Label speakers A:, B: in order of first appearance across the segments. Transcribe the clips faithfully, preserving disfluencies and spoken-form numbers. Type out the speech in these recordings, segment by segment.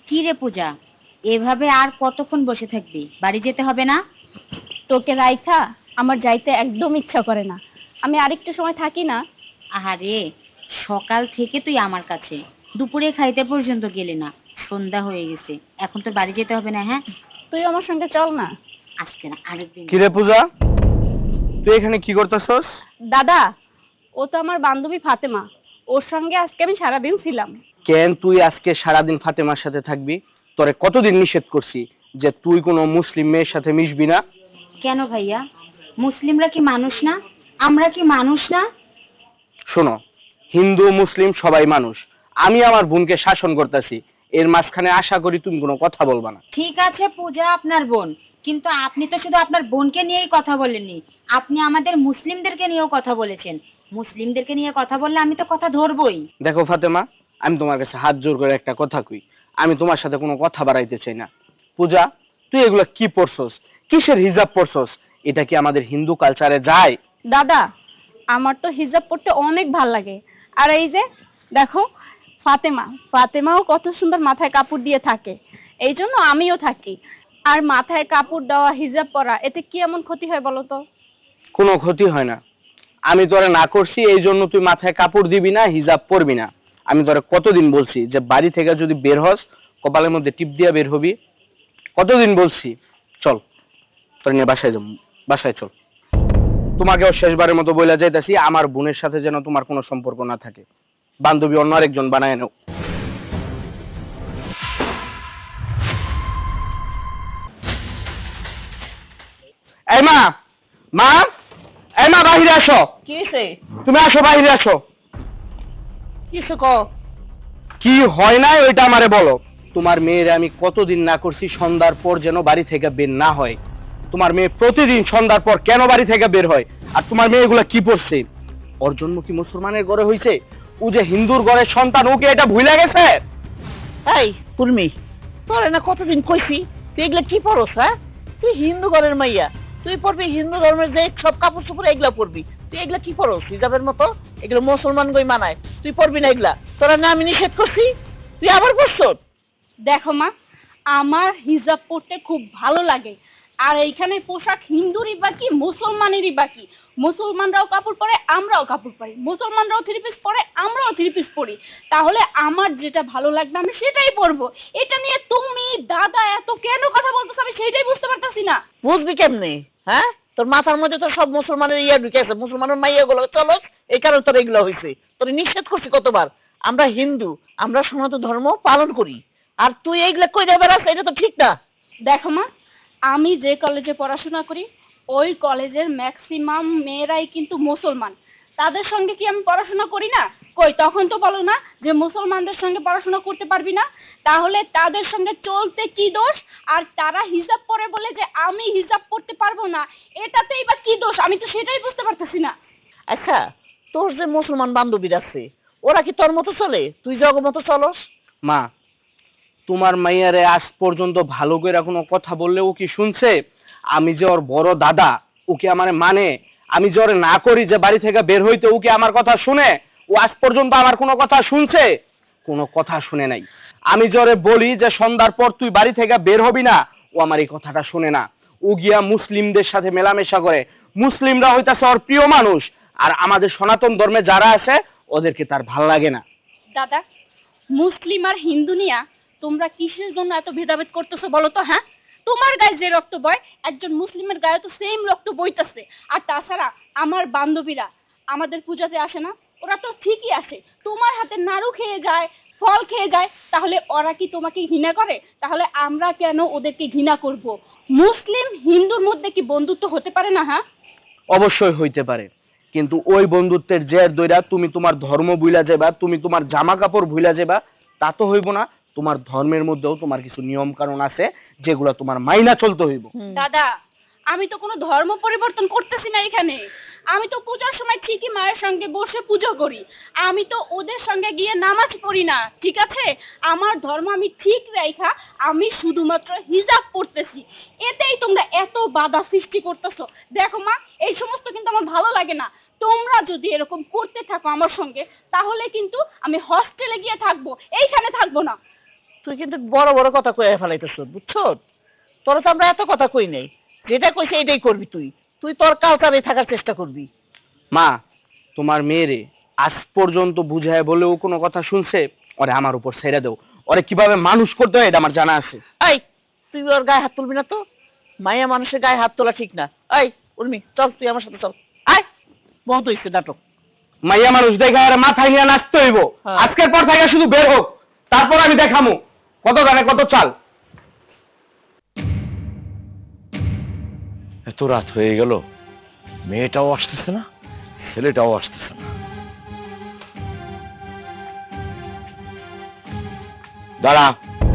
A: কি রে পূজা, এভাবে আর কতক্ষণ বসে থাকবি? বাড়ি যেতে হবে না?
B: তোকে রাইখা আমার যাইতে একদম ইচ্ছা করে না। আমি আরেকটু সময় থাকি না?
A: আহারে, সকাল থেকে তুই আমার কাছে, দুপুরে খাইতে পর্যন্ত গেলি না, সন্ধ্যা হয়ে গেছে, এখন তো বাড়ি যেতে হবে না? হ্যাঁ,
B: তুই আমার সঙ্গে চল না।
A: আজকে না, আরেকদিন।
C: কিরে পূজা, তুই এখানে কি করতেছস?
B: দাদা, ও তো আমার বান্ধবী ফাতেমা, ওর সঙ্গে আজকে আমি সারাদিন ছিলাম।
C: কেন তুই আজকে সারাদিন ফাতেমার সাথে থাকবি? তোরে কতদিন নিষেধ করছি যে তুই কোনো মুসলিম মেয়ের সাথে মিশবি না?
A: কেন ভাইয়া, মুসলিমরা কি মানুষ না? আমরা কি মানুষ না?
C: শোনো, হিন্দু মুসলিম সবাই মানুষ। আমি আমার বোনকে শাসন করতেছি, এর মাঝখানে আশা করি তুমি কোনো কথা বলবা না।
A: ঠিক আছে পূজা আপনার বোন, কিন্তু আপনি তো শুধু আপনার বোনকে নিয়েই কথা বলেননি, আপনি আমাদের মুসলিমদেরকে নিয়েও কথা বলেছেন। মুসলিমদেরকে নিয়ে কথা বললে আমি তো কথা ধরবই।
C: দেখো ফাতেমা, আমি তোমার কাছে হাত জোর করে একটা কথা কই, আমি তোমার সাথে কোনো কথা বাড়াইতে চাই না। পূজা, তুই এগুলো কি পড়ছস? কিসের হিজাব পড়ছস? এটা কি আমাদের হিন্দু কালচারে যায়?
B: দাদা, আমার তো হিজাব পরতে অনেক ভাল লাগে। আর এই যে দেখো, ফাতেমা ফাতেমাও কত সুন্দর মাথায় কাপড় দিয়ে থাকে, এই জন্য আমিও থাকি। আর মাথায় কাপড় দেওয়া, হিজাব পরা, এতে কি এমন ক্ষতি হয় বলো তো?
C: কোনো ক্ষতি হয় না। আমি তোরে না করছি এই জন্য তুই মাথায় কাপড় দিবি না, হিজাব পরবি না। আমি তোরে কতদিন বলছি যে বাড়ি থেকে যদি বের হস কপালের মধ্যে টিপ দিয়া বের হবি? কতদিন বলছি? চল, তোর নিয়ে বাসায় যাবো, বাসায় চল। তোমাকেও শেষবারের মতো বইলা যাইতাছি, আমার বোনের সাথে যেন তোমার কোনো সম্পর্ক না থাকে। বান্ধবী অন্য আরেকজন বানায় নাও। এই মা, মা, এই মা, বাহিরে আসো।
D: কি হয়েছে?
C: তুমি আসো, বাহিরে আসো।
D: কিছু কও।
C: কি হয় না ওইটা আমারে বলো। তোমার মেয়ের আমি কতদিন না করছি সন্ধ্যার পর যেন বাড়ি থেকে বের না হয়। তোমার মেয়ে প্রতিদিন সন্ধ্যার পর কেন বাড়ি থেকে বের হয়? আর তোমার মেয়ে এগুলা কি পড়ছে? ওর জন্ম কি মুসলমানের ঘরে হয়েছে? ও যে হিন্দুর ঘরের সন্তান, ওকে এটা ভুলে গেছে?
D: এই কুর্মি, তোরে না কতদিন কইছি তুই এগুলা কি পরস? হ্যাঁ, তুই হিন্দু ঘরের মাইয়া, তুই পড়বি হিন্দু ধর্মের যে সব কাপড় চোপড় এগুলা পরবি। তুই এগুলা কি পরস? হিজাবের মতো এগুলো মুসলমান গই মানায়, তুই পরবি না এগুলা। তোরা না আমি নিষেধ করছি, তুই আবার পরছ?
B: দেখো মা, আমার হিজাব পরতে খুব ভালো লাগে। আর এইখানে পোশাক হিন্দুরই বাকি, মুসলমানেরই বাকি। মুসলমানরাও কাপড় পরে, আমরাও কাপড় পরি। মুসলমানরাও থ্রি পিস পরে, আমরাও থ্রি পিস পরি। তাহলে আমার যেটা ভালো লাগবে আমি সেটাই পরবো। এটা নিয়ে তুমি দাদা এত কেন কথা বলতেছো আমি সেটাই বুঝতে পারতাছি না।
D: বুঝবি কেমনে? হ্যাঁ, তোর মাথার মধ্যে তো সব মুসলমানের ইয়া ঢুকে আছে, মুসলমানের মাইয়া গুলো চলো, এই কারণে তোর এগুলো হয়েছে। তোর নিষেধ করছি কতবার, আমরা হিন্দু, আমরা সনাতন ধর্ম পালন করি, আর তুই এইগুলা কই যাবে? এটা তো ঠিক না।
B: দেখো মা, আমি যে কলেজে পড়াশোনা করি ওই কলেজের ম্যাক্সিমাম মেয়েরাই কিন্তু মুসলমান। তাদের সঙ্গে কি আমি পড়াশোনা করি না? কই, তখন তো বলো না যে মুসলমানদের সঙ্গে পড়াশোনা করতে পারবি না। তাহলে তাদের সঙ্গে চলতে কি দোষ? আর তারা হিজাব পরে বলে যে আমি হিজাব পড়তে পারবো না, এটাতেই বা কি দোষ? আমি তো সেটাই বুঝতে পারতেছি না।
D: আচ্ছা, তোর যে মুসলমান বান্ধবীরা আছে ওরা কি তোর মতো চলে? তুই জগ মতো চলস?
C: মা, তোমার মাইয়ারে আজ পর্যন্ত ভালো করে কোনো কথা বললে ও কি শুনছে? আমি যে ওর বড় দাদা, ওকে আমার মানে, আমি যে ওরে না করি যে বাড়ি থেকে বের হইতে, ওকে আমার কথা শুনে? ও আজ পর্যন্ত আমার কোনো কথা শুনছে? কোনো কথা শুনে নাই। আমি যে ওরে বলি যে সন্ধ্যার পর তুই বাড়ি থেকে বের হবি না, ও আমার এই কথাটা শুনে না। ও গিয়া মুসলিমদের সাথে মেলামেশা করে। মুসলিমরা হইতাছে ওর প্রিয় মানুষ, আর আমাদের সনাতন ধর্মে যারা আছে ওদেরকে তার ভাল লাগে না।
B: দাদা, মুসলিম আর হিন্দু নিয়া তোমরা কিসের জন্য এত ভেদাভেদ করতেছো বলো তো? হ্যাঁ, তোমার গায়ে যে রক্ত বয় একজন মুসলিমের গায়ে তো সেম রক্ত বইতাছে। আর তাছাড়া আমার বান্ধবীরা আমাদের পূজাতে আসে না, ওরা তো ঠিকই আসে, তোমার হাতে নাড়ু খেয়ে যায়, ফল খেয়ে যায়। তাহলে ওরা কি তোমাকে ঘৃণা করে? তাহলে আমরা কেন ওদেরকে ঘৃণা করব? মুসলিম হিন্দুর মধ্যে কি বন্ধুত্ব হতে পারে না? হ্যাঁ,
C: অবশ্যই হইতে পারে, কিন্তু ওই বন্ধুত্বের জের দইরা তুমি তোমার ধর্ম ভুলা যাবা, তুমি তোমার জামা কাপড় ভুলা যাবা, তা তো হইব না। তোমার ধর্মের মধ্যেও তোমার কিছু নিয়ম কানুন আছে যেগুলো তোমার মাইনা চলতে হইব।
B: দাদা, আমি তো কোনো ধর্ম পরিবর্তন করতেছি না এখানে। আমি তো পূজার সময় ঠিকই মায়ের সঙ্গে বসে পুজো করি, আমি তো ওদের সঙ্গে গিয়ে নামাজ পড়ি না, ঠিক আছে? আমার ধর্ম আমি ঠিক রাইখা আমি শুধুমাত্র হিজাব পড়তেছি, এতেই তোমরা এত বাধা সৃষ্টি করতেছো। দেখো মা, এই সমস্ত কিন্তু আমার ভালো লাগে না। তোমরা যদি এরকম করতে থাকো আমার সঙ্গে, তাহলে কিন্তু আমি হস্টেলে গিয়ে থাকবো, এইখানে থাকবো না।
D: তুই কিন্তু বড় বড় কথা কয়ে ফেলাইতেছ, বুঝছো? তোরা তো আমরা এত কথা কই নাই, যেটা কইছে এটাই করবি তুই। তুই তোর কালচারে থাকার চেষ্টা করবি।
C: মা, তোমার মেয়েরে আজ পর্যন্ত বুঝায় বলেও কোনো কথা শুনছে? ওরে আমার উপর ছেড়ে দেও, ওরে কিভাবে মানুষ করতে হয় এটা আমার জানা আছে।
D: এই, তুই ওর গায়ে হাত তুলবি না তো। মায়া মানুষের গায়ে হাত তোলা ঠিক না। এই উর্মি, চল তুই আমার সাথে চল। আয়, বহুত হইছে নাটক।
C: মাইয়া মানুষ দেখে আর মাথায় নিয়ে নাচতে হইব।
D: হ্যাঁ।
C: আজকের পর থেকে শুধু বের হোক, তারপর আমি দেখামু কত গানে কত চাল।
E: এত রাত হয়ে গেল, মেয়েটাও আসতেছে না, ছেলেটাও আসতেছে না। দাঁড়া,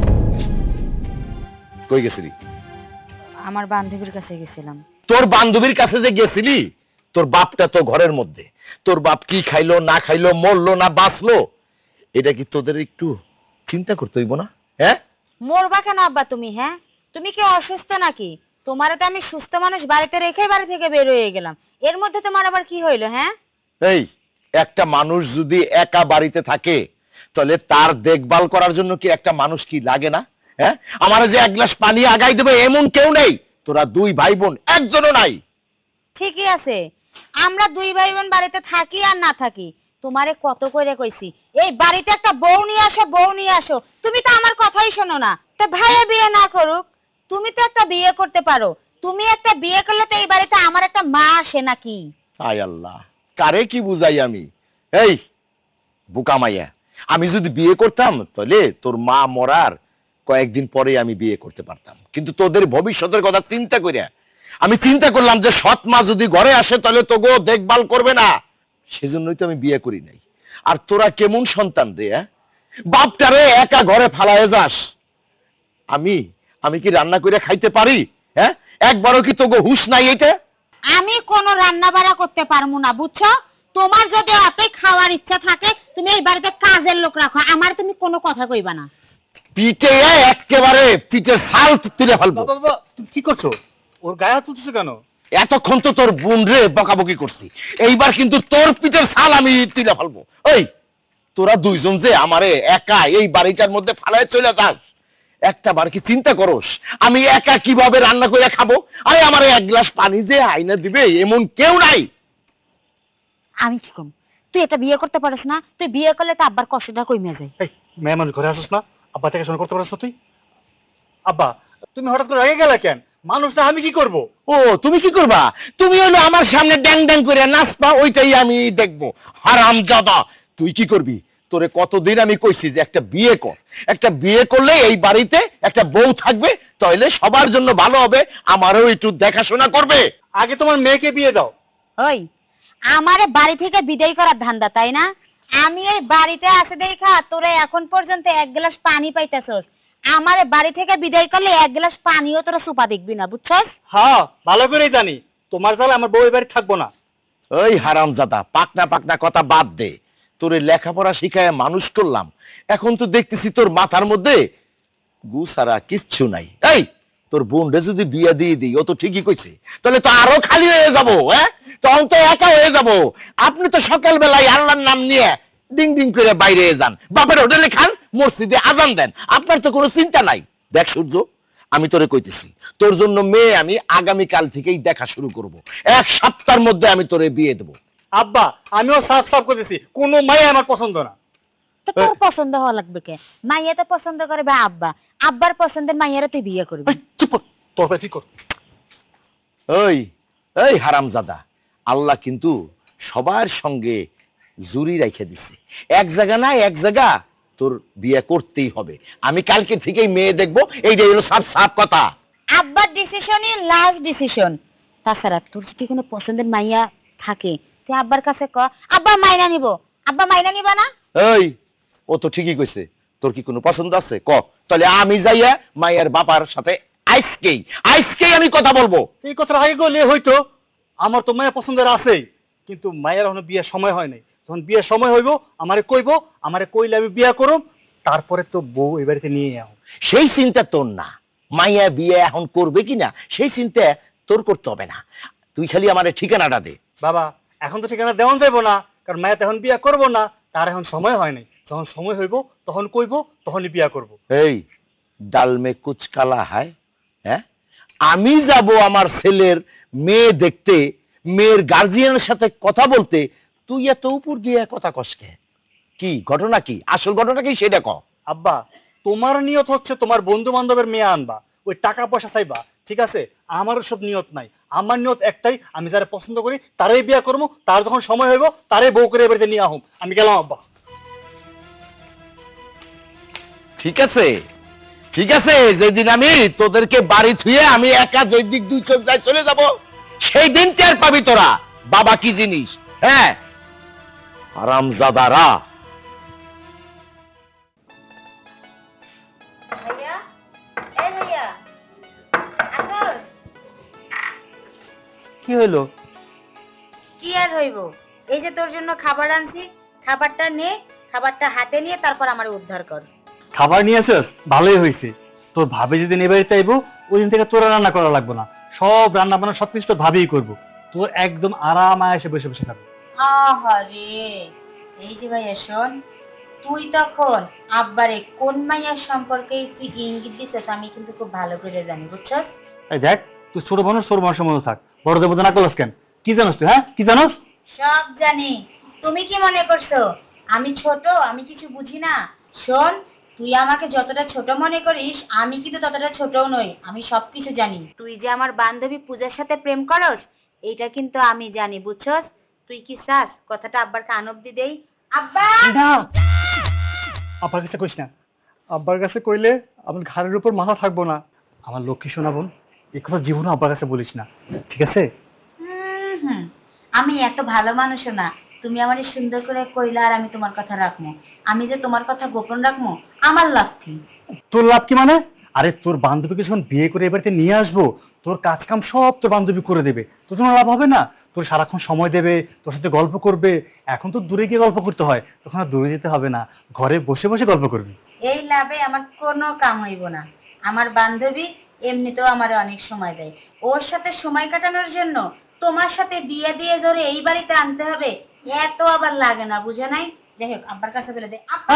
E: কই গেছিলি?
A: আমার বান্ধবীর কাছে গেছিলাম।
E: তোর বান্ধবীর কাছে যে গেছিলি, তোর বাপটা তো ঘরের মধ্যে। তোর বাপ কি খাইলো না খাইলো, মরলো না বাঁচলো, এটা কি তোদের একটু চিন্তা করতে হইব না? হ্যাঁ,
A: মরবা কেন আব্বা তুমি? হ্যাঁ, তুমি কি অসুস্থ নাকি? তোমার তো আমি সুস্থ মানুষ বাড়িতে রেখে বাড়ি থেকে বের হয়ে গেলাম, এর মধ্যে তোমার আবার কি হইলো? হ্যাঁ,
E: এই একটা মানুষ যদি একা বাড়িতে থাকে, তাহলে তার দেখভাল করার জন্য কি একটা মানুষ কি লাগে না? হ্যাঁ, আমার যে এক গ্লাস পানি আগাই দেবে এমন কেউ নেই। তোরা দুই ভাই বোন, একজনও নাই।
A: ঠিকই আছে, আমরা দুই ভাই বোন বাড়িতে থাকি আর না থাকি, তোমারে কত করে কইছি এই বাড়িতে একটা বউ নিয়ে আসো, বউ নিয়ে আসো, তুমি তো আমার কথাই শোনো না। তো ভাইয়া বিয়ে না করুক, তুমি তো একটা বিয়ে করতে পারো। তুমি একটা বিয়ে করলে তো এই বাড়িতে আমার একটা মা আসে নাকি?
E: আয় আল্লাহ, কারে কি বুঝাই আমি? এই বুকা মাইয়া, আমি যদি বিয়ে করতাম তাহলে তোর মা মরার কয়েকদিন পরে আমি বিয়ে করতে পারতাম, কিন্তু তোদের ভবিষ্যতের কথা চিন্তা করিয়া আমি চিন্তা করলাম যে সৎ মা যদি ঘরে আসে তাহলে তো গো দেখভাল করবে না, সেজন্যই তো আমি বিয়ে করি নাই। আর তোরা কেমন সন্তান রে? হ্যাঁ, বাপটারে একা ঘরে ফালায় যাস। আমি আমি কি রান্না করে খাইতে পারি? হ্যাঁ, একবারও কি তোগো হুঁশ নাই এটা?
A: আমি কোনো রান্না বাড়া করতে পারবো না, বুঝছো? তোমার যদি এতই খাওয়ার ইচ্ছা থাকে তুমি এই বাড়িতে কাজের লোক রাখো, আমার তুমি কোনো কথা কইবা না।
E: পিঠে একেবারে পিঠের ছাল তুলে ফেলবো।
F: বাবা, তুমি কি করছো? ওর গায়ে হাত তুলতেছো কেন?
E: এতক্ষণ তো তোর বোন রে বকাবকি করছি, এইবার কিন্তু তোর পিঠের ছাল আমি তুলে ফেলবো। ওই তোরা দুইজন যে আমারে একা এই বাড়িটার মধ্যে ফালায় চলে যাস, একটা বার কি চিন্তা করস আমি একা কিভাবে রান্না করে খাবো? আরে আমারে এক গ্লাস পানি যে আইনা দিবে এমন কেউ নাই।
A: আমি কি কম, তুই এটা বিয়ে করতে পারিস না? তুই বিয়ে করলে তো আব্বার কষ্টটা কমে যায়।
F: এই মেয়ে মানুষ ঘরে আসিস না, আব্বা থেকে শোনা করতে পারিস না তুই? আব্বা, তুমি হঠাৎ করে রেগে গেলে কেন? মানুষটা আমি কি করব?
E: ও তুমি কি করবা? তুমি হলো আমার সামনে ড্যাং ড্যাং করে নাচবা, ওইটাই আমি দেখবো। হারামজাদা, তুই কি করবি? তোরে কতদিন আমি কইছি যে একটা বিয়ে কর, একটা বিয়ে করলে এই বাড়িতে একটা বউ থাকবে, তাহলে সবার জন্য ভালো হবে, আমারও একটু দেখাশোনা করবে।
F: আগে তোমার মেয়েকে বিয়ে দাও।
A: ওই আমারে বাড়ি থেকে বিদায় করার ধান্দা, তাই না? আমি এই বাড়িতে আসে দেখা তোরা এখন পর্যন্ত এক গ্লাস পানি পাইতেছস, আমারে বাড়ি থেকে বিদায় করলে এক গ্লাস পানিও তোরা সুপা দেখবি না, বুঝছস?
F: হ্যাঁ, ভালো করেই জানি তোমার জালে আমার বউ এই বাড়ি থাকবো না।
E: ওই হারামজাদা, পাকনা পাকনা কথা বাদ দে। তোরে লেখাপড়া শিখায় মানুষ করলাম, এখন তো দেখতেছি তোর মাথার মধ্যে গু সারা কিচ্ছু নাই। এই তোর বোনরে যদি বিয়ে দিয়ে দিই, ও তো ঠিকই কইছে, তাহলে তো আরো খালি হয়ে যাবো। হ্যাঁ, তখন তো একা হয়ে যাব। আপনি তো সকালবেলায় আল্লাহর নাম নিয়ে ডিং ডিং করে বাইরে যান, বাপের হোটেলে খান, মসজিদে আজান দেন, আপনার তো কোনো চিন্তা নাই। দেখ সূর্য, আমি তোরে কইতেছি, তোর জন্য মেয়ে আমি আগামীকাল থেকেই দেখা শুরু করব, এক সপ্তাহের মধ্যে আমি তোরে বিয়ে দেবো।
F: আব্বা, আমিও সাফ সাফ করতেছি, কোনো মাই আমার পছন্দ না।
A: তো তোর পছন্দ হওয়া লাগবে কে? মাইয়া তো পছন্দ করবে আব্বা, আব্বার পছন্দের মাইয়ারা তুই বিয়ে করবি।
F: এই, চুপ কর, তোর ভাই ঠিক কর।
E: ওই এই হারামজাদা, আল্লাহ কিন্তু সবার সঙ্গে জুরি রেখে দিছে, এক জায়গা না এক জায়গা তোর বিয়ে করতেই হবে। আমি কালকে থেকেই মেয়ে দেখবো, এইটাই হলো সাফ সাফ কথা।
A: আব্বার ডিসিশনই লাস্ট ডিসিশন। তাছাড়া তোর যদি কোনো পছন্দের মাইয়া থাকে তুই আব্বার কাছে ক, আব্বা মাইনা নিব। আব্বা মাইনা নিবা না?
E: এই ও তো ঠিকই কইছে, তোর কি কোনো পছন্দ আছে ক, তাহলে আমি যাইয়া মায়ের বাবার সাথে আজকেই আজকেই আমি কথা বলবো।
F: এই কথাটা আগে বললে হইতো, আমার তো মায়ের পছন্দের আছেই, কিন্তু মায়ের এখনো বিয়ের সময় হয় নাই। যখন বিয়ের সময় হইব আমারে কইব, আমারে কইলে আমি বিয়ে করব, তারপরে তো বউ এই বাড়িতে নিয়ে যাও।
E: সেই চিন্তা তোর না, মাইয়া বিয়ে এখন করবে কিনা সেই চিন্তা তোর করতে হবে না, তুই খালি আমার ঠিকানাটা দে।
F: বাবা, এখন তো ঠিকানা দেওয়া যাইব না, কারণ মায়ের এখন বিয়ে করব না, তার এখন সময় হয় নাই। যখন সময় হইব তখন কইব, তখনই বিয়া করব।
E: এই ডাল মে কুচ কালা হায়, হ্যাঁ? আমি যাব আমার ছেলের মেয়ে দেখতে, মেয়ের গার্জিয়ানের সাথে কথা বলতে, তুই এত উপর দিয়ে কথা কসকে? কি ঘটনা, কি আসল ঘটনা কি সেটা ক।
F: আব্বা, তোমার নিয়ত হচ্ছে তোমার বন্ধু বান্ধবের মেয়ে আনবা, ওই টাকা পয়সা চাইবা, ঠিক আছে? আমারও সব নিয়ত নাই। আমার নিয়ত একটাই, আমি যারা পছন্দ করি তারাই বিয়া করবো, তার যখন সময় হইব তারাই বউ করে এবারে নিয়ে আহম। আমি গেলাম আব্বা।
E: ঠিক আছে, ঠিক আছে, যেদিন আমি তোদেরকে বাড়ি থুয়ে আমি একা জৈবিক দুই চোখ যায় চলে যাব, সেই দিন টের পাবি তোরা বাবা কি জিনিস। হ্যাঁ, হারামজাদারা।
A: ভাইয়া, এই ভাইয়া, আসো।
F: কি হইলো?
A: কি আর হইব, এই যে তোর জন্য খাবার আনছি, খাবারটা নে, খাবারটা হাতে নিয়ে তারপর আমার উদ্ধার কর।
F: খাবার নিয়ে আসছ? ভালোই হয়েছে। তোর ভাবি যেদিন এবারে চাইবো ওই দিন থেকে তোর রান্না করা লাগবে না, সব রান্না বান্না সবকিছু তোর ভাবিই করবো। তোর একদম আরাম আয়েসে বসে বসে খাবে।
A: আহারে, এই যে ভাইয়া শোন, তুই তখন আব্বারে কোন মাইয়ার সম্পর্কে তুই ইঙ্গিত দিছিস আমি কিন্তু খুব ভালো করে জানি, বুঝছস?
F: এই দেখ, তুই ছোট মানুষ, ছোট মানুষের মতো থাক, বড়দের মতো না করলাস কেন? কি জানোস তুই? হ্যাঁ, কি জানোস?
A: সব জানি। তুমি কি মনে করছো আমি ছোট, আমি কিছু বুঝি না? শোন, তুই আমাকে যতটা ছোট মনে করিস আমি কিন্তু ততটা ছোটও নই, আমি সবকিছু জানি। তুই যে আমার বান্ধবী পূজার সাথে প্রেম করস এইটা কিন্তু আমি জানি, বুঝছস? তুই কি চাস কথাটা আব্বার কান অব্দি দেই? আব্বা!
F: না, আব্বার কাছে কইস না। আব্বার কাছে কইলে আমার ঘাড়ের উপর মাথা থাকবো না। আমার লক্ষ্মী শোনা বোন, এই কথা জীবনে আব্বার কাছে বলিস না, ঠিক আছে?
A: হুম হুম, আমি এত ভালো মানুষও না। তুমি আমারে সুন্দর করে কইলা আর আমি তোমার কথা রাখবো। আমি যে তোমার কথা গোপন রাখবো আমার লাভ কি?
F: তোর লাভ কি মানে? আরে তোর বান্ধবীকে যখন বিয়ে করে এবারে নিয়ে আসবো, তোর কাজ কাম সব তোর বান্ধবী করে দেবে, তোর জন্য লাভ হবে না? তোর সারাক্ষণ সময় দেবে, তোর সাথে গল্প করবে। এখন তো দূরে গিয়ে গল্প করতে হয়, তখন আর দূরে যেতে হবে না, ঘরে বসে বসে গল্প করবি।
A: এই লাভে আমার কোনো কাম হইব না। আমার বান্ধবী এমনিতেও আমারে অনেক সময় দেয়, ওর সাথে সময় কাটানোর জন্য তোমার সাথে বিয়ে দিয়ে ধরে এই বাড়িতে আনতে হবে, এত আবার লাগে না, বুঝে নাই? যাই হোক, আব্বার কাছে বলে দে। আব্বা!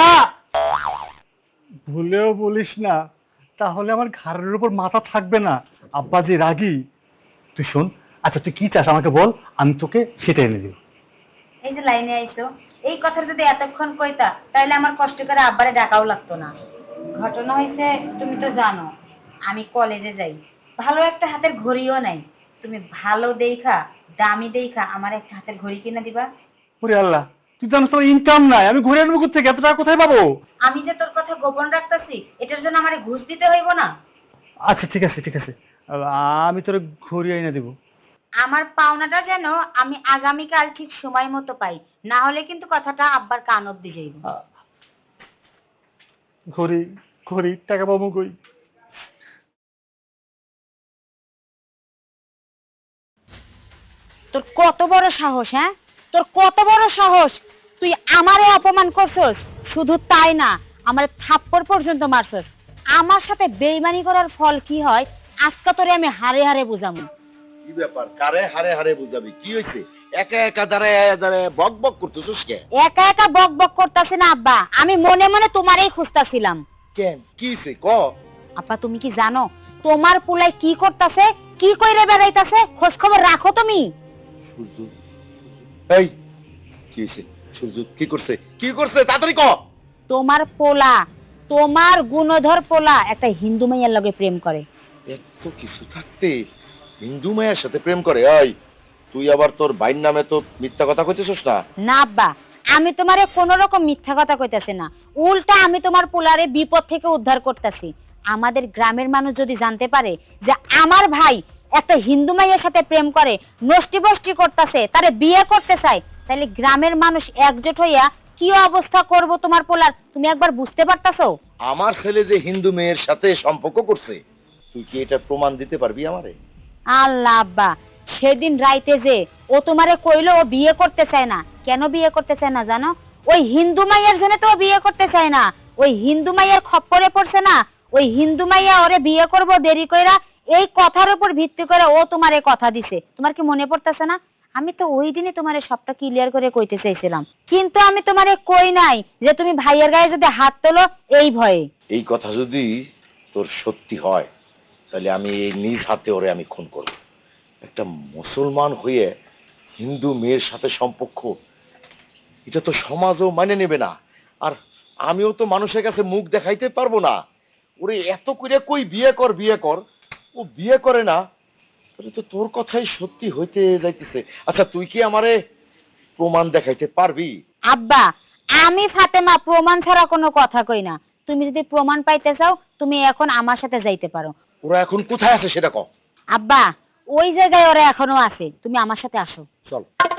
F: ভুলেও বলিস না, তাহলে আমার ঘাড়ের উপর মাথা থাকবে না। আব্বা যে রাগী। তুই শোন, আচ্ছা তুই কি চাস আমাকে বল, আমি তোকে সেটা এনে দিব।
A: এই যে লাইনে আইছো, এই কথা যদি এতক্ষণ কইতা তাহলে আমার কষ্ট করে আব্বারে ডাকাও লাগতো না। ঘটনা হয়েছে তুমি তো জানো, আমি কলেজে যাই, ভালো একটা হাতের ঘড়িও নাই। তুমি ভালো দেখা দামি দেখা আমার একটা হাতের ঘড়ি কিনে দিবা?
F: ওরে আল্লাহ, তুই জানিস তোর ইনকাম নাই, আমি ঘুরে আনবো কোথেকে? এত টাকা কোথায় পাবো?
A: আমি যে তোর কথা গোপন রাখতেছি এটার জন্য আমারে ঘুষ দিতে হইব না?
F: আচ্ছা ঠিক আছে, ঠিক আছে, আমি তোর ঘুরি এনে দেবো।
A: আমার পাওনাটা যেন আমি আগামীকাল ঠিক সময় মতো পাই, না হলে কিন্তু কথাটা আব্বার কান অব্দি যাইব।
F: ঘড়ি, ঘড়ি, টাকা পাবো কই?
A: তোর কত বড় সাহস, হ্যাঁ? তোর কত বড় সাহস, তুই আমারে অপমান করছস? শুধু তাই না, আমার থাপ্পড় পর্যন্ত মারছস। আমার সাথে বেইমানি করার ফল কি হয় আজকে তোরে আমি হারে হারে বুঝামু।
E: কি ব্যাপার, কারে হারে হারে বুঝাবি? কি হয়েছে? একা একা দাঁড়ায় দাঁড়ায় বক বক করতেছিস কে?
A: একা একা বক বক করতাছি না আব্বা, আমি মনে মনে তোমারই খুঁজতাছিলাম।
E: কেন, কি হয়েছে ক?
A: আব্বা তুমি কি জানো তোমার পুলাই কি করতাছে, কি কইরে বেড়াইতাছে? খোঁজ খবর রাখো তুমি?
E: সূর্য, এই কি হয়েছে? সূর্য কি করছে? কি করছে তাড়াতাড়ি ক।
A: তোমার পোলা, তোমার গুণধর পোলা একটা হিন্দু মাইয়ার লগে প্রেম করে।
E: এত কিছু থাকতে হিন্দু মায়ের সাথে প্রেম করে? এই তুই আবার তোর বাইর নামে তো মিথ্যা কথা কইতেছিস না?
A: না আব্বা, আমি তোমারে কোন রকম মিথ্যা কথা কইতাছি না, উল্টা আমি তোমার পোলারে বিপদ থেকে উদ্ধার করতেছি। আমাদের গ্রামের মানুষ যদি জানতে পারে যে আমার ভাই একটা হিন্দু মাইয়ের সাথে প্রেম করে, নষ্টি বষ্টি করতেছে, তারে বিয়ে করতে চায়, তাহলে গ্রামের মানুষ একজোট হইয়া কি অবস্থা করব তোমার পোলার তুমি একবার বুঝতে পারতাছো?
E: আমার ছেলে যে হিন্দু মেয়ের সাথে সম্পর্ক করছে, তুই কি এটা প্রমাণ দিতে পারবি আমারে?
A: আল্লাহ আব্বা, সেদিন রাইতে যে ও তোমারে কইলো ও বিয়ে করতে চায় না, কেন বিয়ে করতে চায় না জানো? ওই হিন্দু মাইয়ার জন্য তো ও বিয়ে করতে চায় না, ওই হিন্দু মাইয়ার খপ্পরে পড়ছে না, ওই হিন্দু মাইয়া ওরে বিয়ে করব দেরি কইরা, এই কথার উপর ভিত্তি করে ও তোমারে কথা দিছে। তোমার কি মনে পড়তেছে না? আমি তো ওই দিনে তোমারে সবটা ক্লিয়ার করে কইতে চাইছিলাম, কিন্তু আমি তোমারে কই নাই যে তুমি ভাইয়ের গায়ে যদি হাত তোলো এই ভয়ে।
E: এই কথা যদি তোর সত্যি হয় তাহলে আমি এই নিজ হাতে ওরে আমি খুন করব। একটা মুসলমান হয়ে হিন্দু মেয়ের সাথে সম্পর্ক, এটা তো সমাজও মানে নেবে না, আর আমিও তো মানুষের কাছে মুখ দেখাইতে পারবো না। ওরে এত করে কই বিয়ে কর বিয়ে কর, ও বিয়ে করে না, তাহলে তো তোর কথাই সত্যি হইতে যাইতেছে। আচ্ছা তুই কি আমারে প্রমাণ দেখাইতে পারবি?
A: আব্বা, আমি ফাতেমা প্রমাণ ছাড়া কোনো কথা কই না। তুমি যদি প্রমাণ পাইতে চাও তুমি এখন আমার সাথে যাইতে পারো।
E: ওরা এখন কোথায় আছে সেটা কও।
A: আব্বা, ওই জায়গায় ওরা এখনো আছে, তুমি আমার সাথে আসো।
E: চল।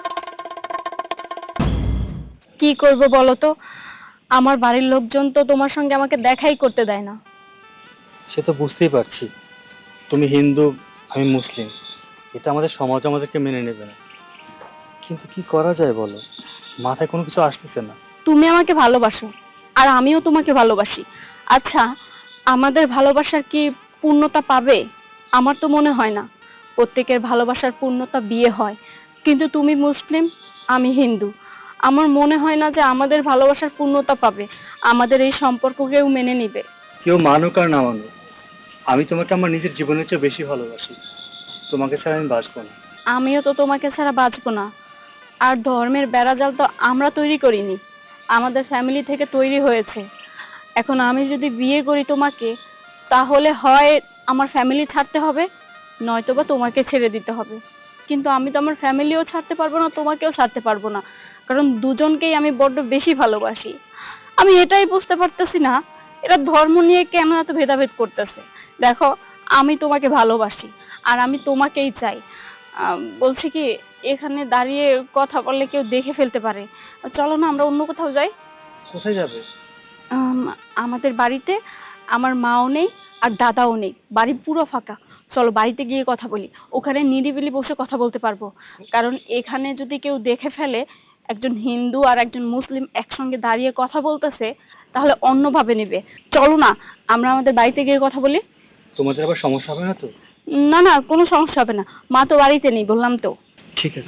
B: কি করব বলো তো, আমার বাড়ির লোকজন তো তোমার সঙ্গে আমাকে দেখাই করতে দেয় না।
F: সে তো বুঝতেই পারছি, তুমি হিন্দু আমি মুসলিম, এটা আমাদের সমাজ আমাদেরকে মেনে নেবে না। কিন্তু কি করা যায় বলো, মাথায় কোনো কিছু আসতেছে না।
B: তুমি আমাকে ভালোবাসো আর আমিও তোমাকে ভালোবাসি। আচ্ছা, আমাদের ভালোবাসার কি পূর্ণতা পাবে? আমার তো মনে হয় না। প্রত্যেকের ভালোবাসার পূর্ণতা বিয়ে হয়, কিন্তু তুমি মুসলিম আমি হিন্দু, আমার মনে হয় না যে আমাদের ভালোবাসার পূর্ণতা পাবে, আমাদের এই সম্পর্ক কেউ মেনে নিবে।
F: কেউ মানুক আর না মানুক, আমি তোমাকে আমার নিজের জীবনের চেয়ে বেশি ভালোবাসি, তোমাকে ছাড়া আমি বাঁচবো না।
B: আমিও তো তোমাকে ছাড়া বাঁচবো না। আর ধর্মের বেড়াজাল তো আমরা তৈরি করিনি, আমাদের ফ্যামিলি থেকে তৈরি হয়েছে। এখন আমি যদি বিয়ে করি তোমাকে, তাহলে হয় আমার ফ্যামিলি ছাড়তে হবে, নয়তোবা তোমাকে ছেড়ে দিতে হবে। কিন্তু আমি তো আমার ফ্যামিলিও ছাড়তে পারবো না, তোমাকেও ছাড়তে পারবো না, কারণ দুজনকেই আমি বড্ড বেশি ভালোবাসি। আমি এটাই বুঝতে পারতেছি না এরা ধর্ম নিয়ে কেন এত ভেদাভেদ করতেছে। দেখো, আমি তোমাকে ভালোবাসি আর আমি তোমাকেই চাই। আহ, বলছি কি, এখানে দাঁড়িয়ে কথা বললে কেউ দেখে ফেলতে পারে, চলো না আমরা অন্য কোথাও যাই।
F: কোথায় যাবে?
B: আম, আমাদের বাড়িতে আমার মাও নেই আর দাদাও নেই, বাড়ি পুরো ফাঁকা। চলো বাড়িতে গিয়ে কথা বলি, ওখানে নিরিবিলি বসে কথা বলতে পারবো। কারণ এখানে যদি কেউ দেখে ফেলে একজন হিন্দু আর একজন মুসলিম একসঙ্গে দাঁড়িয়ে কথা বলতেছে, তাহলে অন্যভাবে নেবে। চলো না আমরা আমাদের বাড়িতে গিয়ে কথা বলি।
F: তোমাদের আবার সমস্যা হবে না তো?
B: না না, কোনো সমস্যা হবে না, মা তো বাড়িতে নেই বললাম তো।
F: ঠিক আছে।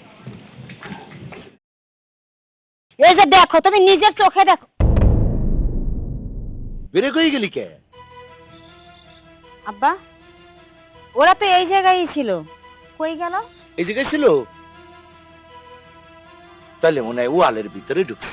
A: এই যে দেখো, তুমি নিজের চোখে দেখো।
E: বেরে কই গেলি কে?
A: আব্বা, ওরা তো এই জায়গায়ই ছিল, কই গেল?
E: এই জায়গায় ছিল, তাহলে মনে হয় ওয়ালের ভিতরে ঢুকছে।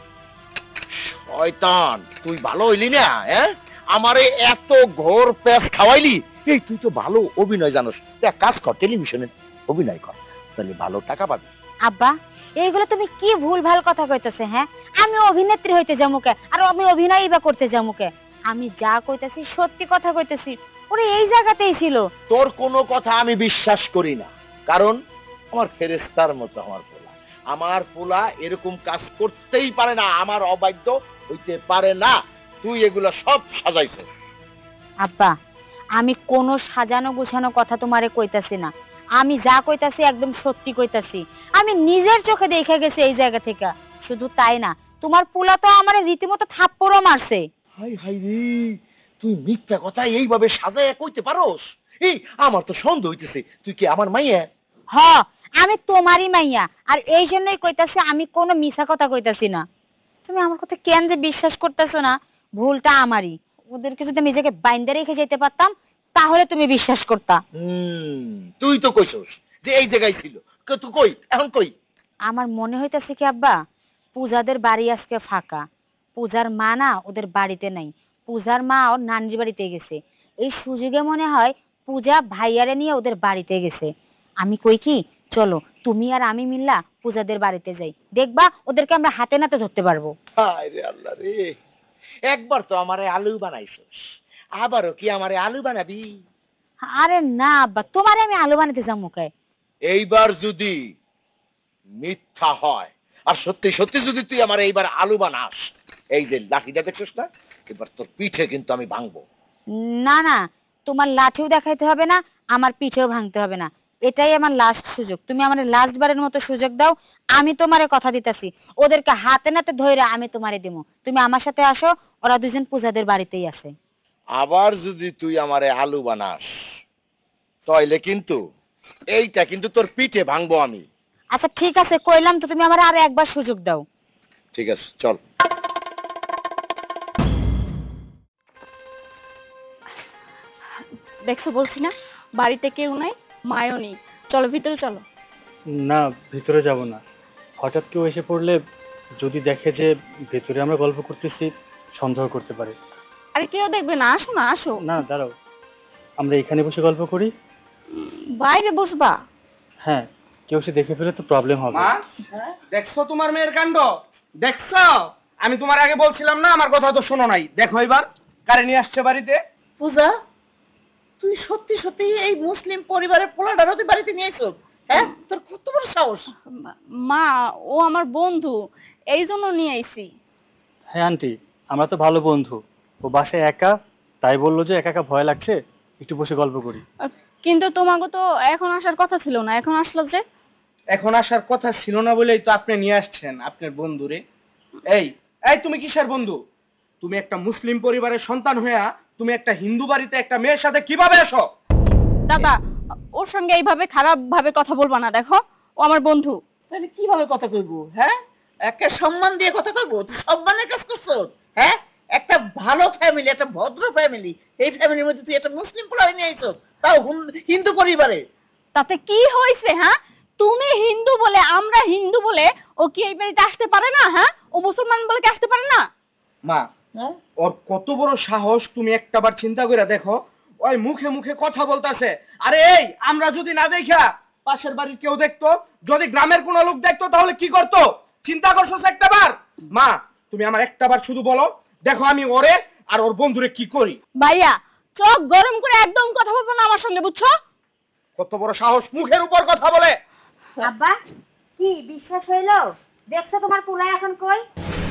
E: শয়তান, তুই ভালো হইলি না, হ্যাঁ? আমারে এত ঘোর প্যাস খাওয়াইলি। এই তুই তো ভালো অভিনয় জানোস, এক কাজ কর, টেলিভিশনে অভিনয় কর, তাহলে ভালো টাকা পাবি।
A: আব্বা, এইগুলো তুমি কি ভুল ভাল কথা কইতেছে? হ্যাঁ, আমি অভিনেত্রী হইতে যামুকে আর আমি অভিনয়ই বা করতে যামুকে? আমি যা কইতাছি সত্যি কথা কইতেছি, ওরা এই জায়গাতেই ছিল।
E: তোর কোনো কথা আমি বিশ্বাস করি না, কারণ আমার ফেরেশতার মতো আমার পোলা, আমার পোলা এরকম কাজ করতেই পারে না, আমার অবাধ্য হইতে পারে না। তুই এগুলো সব সাজাইছিস।
A: আব্বা, আমি কোনো সাজানো গুছানো কথা তোমারে কইতাছি না, আমি যা কইতাছি একদম সত্যি কইতাছি। আমি নিজের চোখে দেখে গেছি এই জায়গা থেকে। শুধু তাই না, তোমার পোলা তো আমার রীতিমতো থাপ্পড়ও মারছে।
E: হাই হাই রে, তুই মিথ্যা কথা এইভাবে সাজায় কইতে পারোস? এই আমার তো সন্দেহ হইতেছে তুই কি আমার মাইয়া।
A: হ, আমি তোমারই মাইয়া, আর এই জন্যই কইতাছি আমি কোনো মিছা কথা কইতাছি না। তুমি আমার কথা কেন যে বিশ্বাস করতেছো না? ভুলটা আমারই। ওদেরকে যদি আমি নিজেকে বাইন্দা রেখে যেতে পারতাম তাহলে তুমি বিশ্বাস করতা।
E: হুম, তুই তো কইছস যে এই জায়গায় ছিল, ক- তুই কই এখন কই?
A: আমার মনে হইতাছে কি আব্বা, পূজাদের বাড়ি আজকে ফাঁকা। পূজার মা না ওদের বাড়িতে নাই, পূজার মা ওর নানির বাড়িতে গেছে। এই সুযোগে মনে হয় পূজা ভাইয়ারে নিয়ে ওদের বাড়িতে গেছে। আমি কই কি, চলো তুমি আর আমি মিল্লা পূজাদের বাড়িতে যাই, দেখবা ওদেরকে আমরা হাতে নাতে ধরতে পারবো।
E: হায় রে আল্লাহ রে, একবার তো আমারে আলু বানাইছস, আবারও কি আমারে আলু বানাবি?
A: আরে না আব্বা, তোমারে আমি আলু বানাতে যাবো কে?
E: এইবার যদি মিথ্যা হয় আর সত্যি সত্যি যদি তুই আমার এইবার আলু বানাস, এই যে লাঠিটা দেখছিস না, এবার তোর পিঠে কিন্তু আমি ভাঙবো।
A: না না, তোমার লাঠিও দেখাইতে হবে না, আমার পিঠেও ভাঙতে হবে না। এটাই আমার লাস্ট সুযোগ, তুমি আমার লাস্ট বারের মতো সুযোগ দাও। আমি তোমারে কথা দিতেছি, ওদেরকে হাতে নাতে ধরে আমি তোমারে দিব। তুমি আমার সাথে আসো, ওরা দুজন পূজাদের বাড়িতেই আছে।
E: আবার যদি তুই আমারে আলু বানাস তাইলে কিন্তু এইটা কিন্তু তোর পিঠে ভাঙবো আমি।
A: আচ্ছা ঠিক আছে, কইলাম তো, তুমি আমার আর একবার সুযোগ দাও।
E: ঠিক আছে চল।
B: দেখছো বলছি না, বাড়িতে কেউ নাই, মায়ও নেই। চলো ভিতরে চলো।
F: না, ভিতরে যাব না। হঠাৎ কেউ এসে পড়লে যদি দেখে যে ভেতরে আমরা গল্প করতেছি, সন্দেহ করতে পারে।
B: আরে কেউ দেখবে না, আসো না, আসো।
F: না, দাঁড়াও, আমরা এখানে বসে গল্প করি।
B: উম, বাইরে বসবা?
F: হ্যাঁ, কেউ সে দেখে ফেলে তো প্রবলেম হবে।
C: মা, দেখছো তোমার মেয়ের কাণ্ড? দেখছো? আমি তোমার আগে বলছিলাম না, আমার কথা তো শোনো নাই। দেখো এবার কারে নিয়ে আসছে বাড়িতে।
D: পূজা, তুই সত্যি সত্যি এই মুসলিম পরিবারের পোলাটারও তুই বাড়িতে নিয়েছো? হ্যাঁ, তোর কত বড় সাহস!
B: মা, ও আমার বন্ধু, এই জন্য নিয়ে আইছি।
F: হ্যাঁ আন্টি, আমরা তো ভালো বন্ধু। ও বাসায় একা, তাই বললো যে একা একা ভয় লাগছে, একটু বসে গল্প করি।
B: আহ, কিন্তু তোমাকে তো এখন আসার কথা ছিল না, এখন আসলো যে?
C: এখন আসার কথা ছিল না বলেই তো আপনি নিয়ে আসছেন আপনার বন্ধুরে। এই এই তুমি কিসের বন্ধু? তুমি একটা মুসলিম পরিবারের সন্তান হইয়া তুমি একটা হিন্দু বাড়িতে একটা মেয়ের সাথে কিভাবে আসো?
B: দাদা, ওর সঙ্গে এইভাবে খারাপ ভাবে কথা বলবা না, দেখো ও আমার বন্ধু।
D: তাহলে কিভাবে কথা কইবো? হ্যাঁ, একটা সম্মান দিয়ে কথা কইবো? তুই সম্মানের কাজ করছো? হ্যাঁ, একটা ভালো ফ্যামিলি, একটা ভদ্র ফ্যামিলি, এই ফ্যামিলির মধ্যে তুই একটা মুসলিম পোলারে নিয়ে আইছো, তাও হুন- হিন্দু পরিবারে।
B: তাতে কি হয়েছে? হ্যাঁ, তুমি হিন্দু বলে, আমরা হিন্দু বলে ও কি এই বাড়িতে আসতে পারে না? হ্যাঁ, ও মুসলমান বলে কি আসতে পারে না?
C: মা,
D: হ্যাঁ,
C: ওর কত বড় সাহস তুমি একটাবার চিন্তা করে দেখো। ওই মুখে মুখে কথা বলতাছে। আরে এই, আমরা যদি না দেখা পাশের বাড়ির কেউ দেখতো, যদি গ্রামের কোনো লোক দেখতো, তাহলে কি করতো? চিন্তা করছো একটাবার? মা, তুমি আমার একটাবার শুধু বলো, দেখো আমি ওরে আর ওর বন্ধুরে কি করি।
B: ভাইয়া, চোখ গরম করে একদম কথা বলবো না আমার সঙ্গে, বুঝছো?
C: কত বড় সাহস, মুখের উপর কথা বলে।
A: আব্বা, কি বিশ্বাস হইলো? দেখছো তোমার পুলাই এখন কই?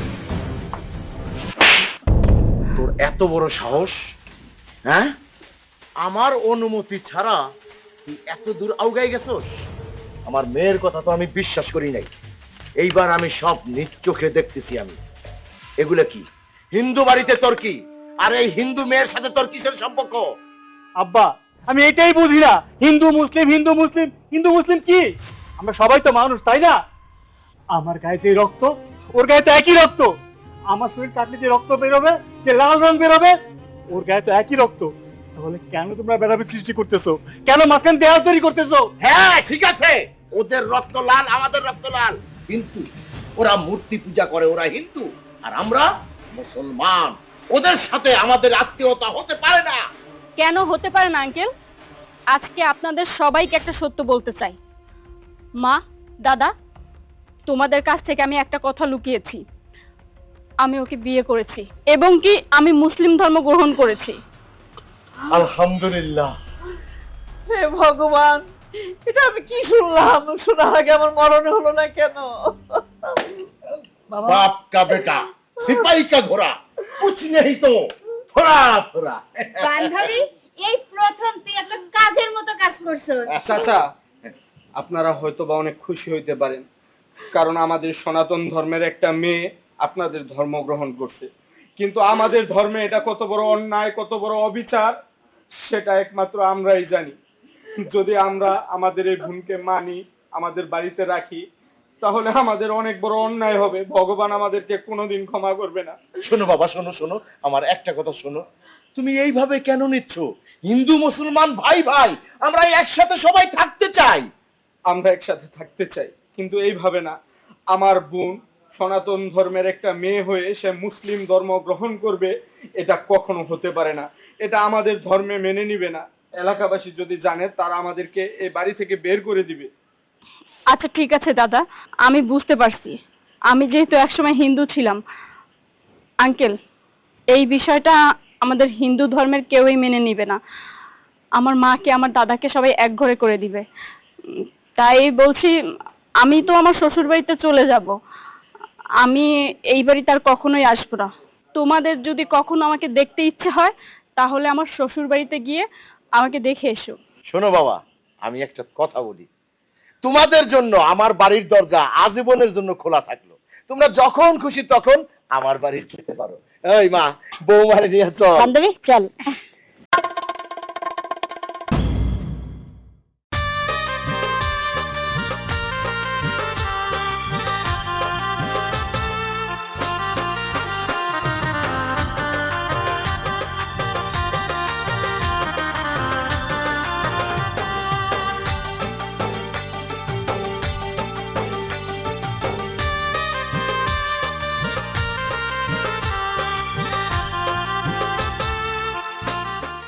E: তোর এত বড় সাহস? হ্যাঁ, আমার অনুমতি ছাড়া তুই এত দূর আউগাই গেছস? আমার মেয়ের কথা তো আমি বিশ্বাস করি নাই। এইবার আমি সব নিজ চোখে দেখতেছি। আমি এগুলো কি হিন্দু বাড়িতে তোর কি, আর এই হিন্দু মেয়ের সাথে তোর কিসের সম্পর্ক?
F: আব্বা, আমি এটাই বুঝি না, হিন্দু মুসলিম হিন্দু মুসলিম হিন্দু মুসলিম কি? আমরা সবাই তো মানুষ, তাই না? আমার গায়ে যে রক্ত, ওর গায়ে তো একই রক্ত। আমার শরীর কাটলে যে রক্ত বেরোবে, যে লাল রং বেরোবে, ওর গায়ে তো একই রক্ত। তাহলে কেন তোমরা ভেদাভেদ সৃষ্টি করতেছো? কেন মাঝখানে দেয়াল তৈরি করতেছো?
E: হ্যাঁ ঠিক আছে, ওদের রক্ত লাল, আমাদের রক্ত লাল, কিন্তু ওরা মূর্তি পূজা করে, ওরা হিন্দু আর আমরা মুসলমান। ওদের সাথে আমাদের আত্মীয়তা হতে পারে না।
B: কেন হতে পারে না আঙ্কেল? আজকে আপনাদের সবাইকে একটা সত্য বলতে চাই। মা, দাদা, তোমাদের কাছ থেকে আমি একটা কথা লুকিয়েছি। আমি ওকে বিয়ে করেছি এবং কি আমি মুসলিম ধর্ম গ্রহণ করেছি।
F: আলহামদুলিল্লাহ।
D: হে ভগবান, এটা আমি কি শুনলাম? শোনার আগে আমার মরণে হলো না কেন? বাবা,
E: बाप का बेटा सिपाही का घोड़ा कुछ नहीं तो थोड़ा थोड़ा।
A: বান্ধবী, এই প্রথম তুই একটা কাজের মতো কাজ করছো।
C: চাচা, আপনারা হয়তো বা অনেক খুশি হইতে পারেন, কারণ আমাদের সনাতন ধর্মের একটা মেয়ে আপনাদের ধর্ম গ্রহণ করছে। কিন্তু আমাদের ধর্মে এটা কত বড় অন্যায়, কত বড় অবিচার, সেটা একমাত্র আমরাই জানি। যদি আমরা আমাদের এই বোনকে মানি, আমাদের বাড়িতে রাখি, তাহলে আমাদের অনেক বড় অন্যায় হবে। ভগবান আমাদেরকে কোনোদিন ক্ষমা করবে না।
E: শোনো বাবা, শোনো শোনো, আমার একটা কথা শোনো। তুমি এইভাবে কেন নিচ্ছ? হিন্দু মুসলমান ভাই ভাই, আমরা একসাথে সবাই থাকতে চাই।
C: আমরা একসাথে থাকতে চাই, কিন্তু এইভাবে না। আমার বোন সনাতন ধর্মের একটা মেয়ে হয়ে সে মুসলিম ধর্ম গ্রহণ করবে, এটা কখনো হতে পারে না। এটা আমাদের ধর্মে মেনে নিবে না। এলাকাবাসী যদি জানে, তারা আমাদেরকে এই বাড়ি থেকে বের করে দিবে।
B: আচ্ছা ঠিক আছে দাদা, আমি বুঝতে পারছি। আমি যেহেতু একসময় হিন্দু ছিলাম, আঙ্কেল এই বিষয়টা আমাদের হিন্দু ধর্মের কেউই মেনে নিবে না। আমার মাকে, আমার দাদাকে সবাই এক ঘরে করে দিবে। উম, তাই বলছি, আমি তো আমার শ্বশুর বাড়িতে চলে যাব। আমি এই বাড়িতে আর কখনোই আসবো না। তোমাদের যদি কখনো আমাকে দেখতে ইচ্ছে হয়, তাহলে আমার শ্বশুর বাড়িতে গিয়ে আমাকে দেখে এসো।
E: শোনো বাবা, আমি একটা কথা বলি। তোমাদের জন্য আমার বাড়ির দরজা আজীবনের জন্য খোলা থাকলো। তোমরা যখন খুশি তখন আমার বাড়ি যেতে পারো। এই মা, বৌমারে নিয়ে চল।
A: বান্ধবী চল।